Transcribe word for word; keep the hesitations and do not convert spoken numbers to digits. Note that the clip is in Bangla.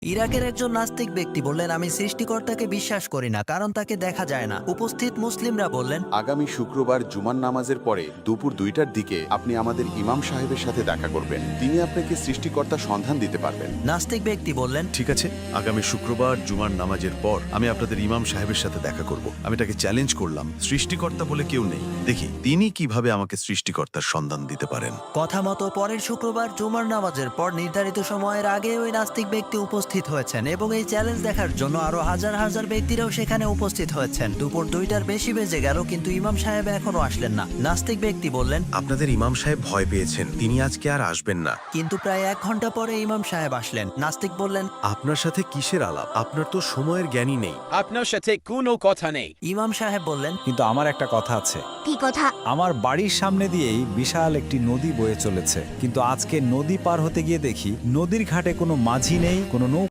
ইরাকের একজন নাস্তিক ব্যক্তি বললেন, আমি সৃষ্টিকর্তাকে বিশ্বাস করি না, কারণ তাকে দেখা যায় না। উপস্থিত মুসলিমরা বললেন, আগামী শুক্রবার জুমার নামাজের পরে দুপুর দুইটার দিকে আপনি আমাদের ইমাম সাহেবের সাথে দেখা করবেন। তিনি আপনাকে সৃষ্টিকর্তার সন্ধান দিতে পারবেন। নাস্তিক ব্যক্তি বললেন, ঠিক আছে, আগামী শুক্রবার জুমার নামাজের পর আমি আপনাদের ইমাম সাহেবের সাথে দেখা করব। আমি তাকে চ্যালেঞ্জ করলাম, সৃষ্টিকর্তা বলে কেউ নেই, দেখি তিনি কিভাবে আমাকে সৃষ্টিকর্তার সন্ধান দিতে পারেন। কথা মতো পরের শুক্রবার জুমার নামাজের পর নির্ধারিত সময়ের আগে ওই নাস্তিক ব্যক্তি উপস্থিত হয়েছেন এবং এই চ্যালেঞ্জ দেখার জন্য আরো হাজার হাজার ব্যক্তিরাও সেখানে উপস্থিত হয়েছেন। দুপুর দুইটার বেশি বেজে গেল, কিন্তু ইমাম সাহেব এখনো আসলেন না। নাস্তিক ব্যক্তি বললেন, আপনাদের ইমাম সাহেব ভয় পেয়েছেন, তিনি আজকে আর আসবেন না। কিন্তু প্রায় এক ঘন্টা পরে ইমাম সাহেব আসলেন। নাস্তিক বললেন, আপনার সাথে কিসের আলাপ? আপনার তো সময়ের জ্ঞানই নেই। আপনার সাথে কোনো কথা নেই। ইমাম সাহেব বললেন, কিন্তু আমার একটা কথা আছে। কি কথা? আমার বাড়ির সামনে দিয়েই বিশাল একটি নদী বয়ে চলেছে, কিন্তু আজকে নদী পার হতে গিয়ে দেখি নদীর ঘাটে কোনো মাঝি নেই, কোনো নৌ